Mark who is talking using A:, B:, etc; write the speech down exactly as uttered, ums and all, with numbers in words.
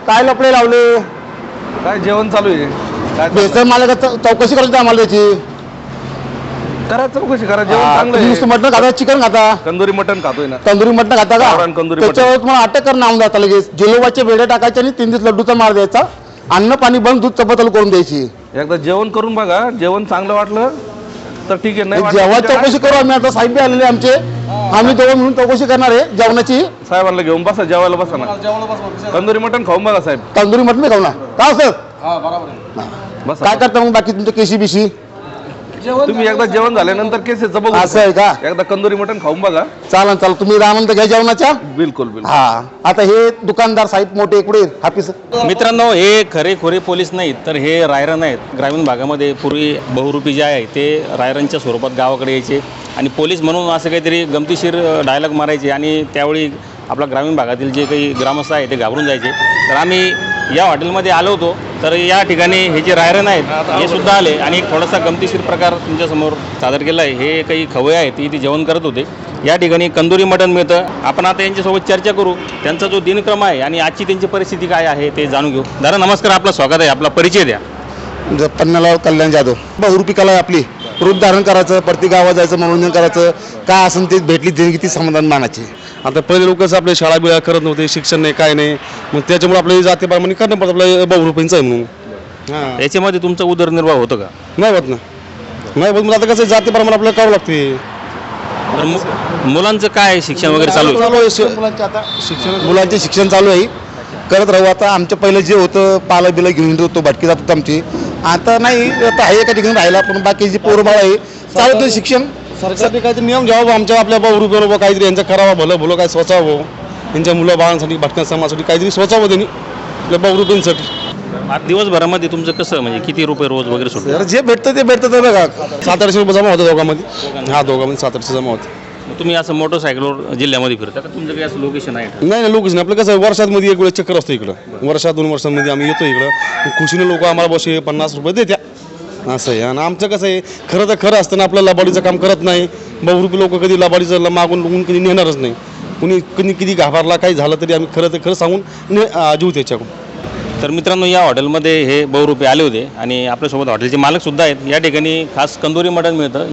A: काय लपडे लावले?
B: काय जेवण चालू आहे? काय
A: बेसन मालक चौकशी करायची आम्हाला त्याची.
B: करा चौकशी करा. जेवण
A: हा,
B: चांगलं
A: तुम्ही
B: आहे.
A: नुसतं मटण खाता, चिकन खाता,
B: तंदुरी मटण खातोय ना.
A: तंदुरी मटण खाता का?
B: गावरान तंदुरी मटण.
A: त्याच्यावर तुम्हाला अटक करणं आमदार आता लगेच. जिलोबाचे बेडे टाकायचे आणि तीन दिवस लड्डूचा मार द्यायचा. अन्न पाणी बंद, दूध चपातल करून द्यायची.
B: एकदा जेवण करून बघा. जेवण चांगलं वाटलं तर ठीक आहे. नाही वाटलं
A: जेव्हा
B: तर
A: चौकशी करू आम्ही. आता साहेब बी आलेले आमचे, आम्ही दोघं म्हणून चौकशी करणार आहे जेवणाची.
B: साहेबांना घेऊन बसा, जेवायला बसा ना. तंदुरी मटण खाऊन बघा साहेब.
A: तंदुरी मटण नाही खाऊ ना का सर?
B: बसा.
A: काय करता मग बाकी तुमच्या केशी बिशी?
B: तुम्ही एकदा जेवण झाल्यानंतर केसेचं बघू.
A: असं आहे का?
B: एकदा कंदुरी मटण खाऊन बघा.
A: चालन चाल, तुम्ही आनंद घ्या जेवणाच्या.
B: बिलकुल बिलकुल.
A: हा, आता हे दुकानदार साहेब मोठे इकडे हाफिस.
C: मित्रांनो, हे खरेखुरे पोलीस नाहीत, तर हे रायरन आहेत. ग्रामीण भागामध्ये पूर्वी बहुरूपी जे आहे ते रायरनच्या स्वरूपात गावाकडे यायचे आणि पोलीस म्हणून असं काहीतरी गमतीशीर डायलॉग मारायचे आणि त्यावेळी आपला ग्रामीण भागातील जे काही ग्रामस्थ आहे ते घाबरून जायचे. तर आम्ही या हॉटेलमध्ये आलो होतो, तर या ठिकाणी हे जे रायरन आहेत हे सुद्धा आले आणि एक थोडासा गमतीशीर प्रकार तुमच्यासमोर सादर केला आहे. हे काही खवय आहेत ते इथे जेवण करत होते. या ठिकाणी कंदुरी मटण मिळतं. आपण आता यांच्यासोबत चर्चा करू, त्यांचा जो दिनक्रम आहे आणि आजची त्यांची परिस्थिती काय आहे ते जाणून घेऊ. दादा नमस्कार, आपलं स्वागत आहे. आपला परिचय द्या.
A: पन्नालाल कल्याण जाधव. बहुरूपी कला आहे आपली. रूप धारण करायचं, प्रत्येक गावात जायचं, मनोरंजन करायचं, काय असेल ते भेटली देणगी ती समाधान मानाची.
D: आता पहिले लोकच आपले शाळा बिळा करत नव्हते, शिक्षण नाही काय नाही, मग त्याच्यामुळे आपल्या जातीप्रमाणे करणं पडतं. आपल्या बहुरूपींचं आहे म्हणून. हां,
C: याच्यामध्ये तुमचा उदरनिर्वाह होतो का?
D: नाही होत ना, नाही होत. मग आता कसं जातीप्रमाणे आपल्याला करावं लागते.
C: तर मु- मुलांचं काय शिक्षण वगैरे चालू आहे?
A: चालू आहे शि- मुलांचे आता शिक्षण मुलांचे शिक्षण चालू आहे. करत राहू. आता आमच्या पहिलं जे होतं पाला बिला घेऊन येत होतो, भटकी जात होतो आमची. आता नाही, आता आहे एका ठिकाणी राहिला, पण बाकी जी पोरं बाळ आहे चालतं शिक्षण.
D: सरकारने काहीतरी नियम घ्यावा आमच्या आपल्या बहुरूपीवर, काहीतरी यांचं करावं, भलं भलं काय सोचावं. यांच्या मुलं बाळांसाठी, भटक्या समाजासाठी काहीतरी सोचावं त्यांनी, आपल्या बहुरूपींसाठी.
C: आज दिवसभरामध्ये तुमचं कसं म्हणजे किती रुपये रोज वगैरे सुटतं?
D: तर जे भेटतं ते भेटतं. तर बघा सात आठशे रुपये जमा होतं दोघांमध्ये. हा, दोघांमध्ये सात आठशे जमा होतं.
C: मग तुम्ही असं मोटरसायकलवर जिल्ह्यामध्ये फिरता का? तुमचं काही असं लोकेशन आहे का?
D: नाही नाही, लोकच नाही. आपलं कसं आहे, वर्षातमध्ये एक वेळेस चक्कर असतो इकडं. वर्षात दोन वर्षांमध्ये आम्ही येतो इकडं. खुशीने लोक आम्हाला बसे पन्नास रुपये देत्या, असं आहे. आणि आमचं कसं आहे, खरं तर खरं असतं ना, आपलं लबाडीचं काम करत नाही. बहुरूपी लोक कधी लबाडीचं मागून लुगून कधी नेणारच नाही. कुणी कधी किती घाबरला काही झालं तरी आम्ही खरं तर खरं सांगून ने जीव त्याच्याकडून.
C: तर मित्रांनो, या हॉटेलमध्ये हे बहुरूपी आले होते आणि आपल्यासोबत हॉटेलचे मालक सुद्धा आहेत. या ठिकाणी खास कंदुरी मटण मिळतं.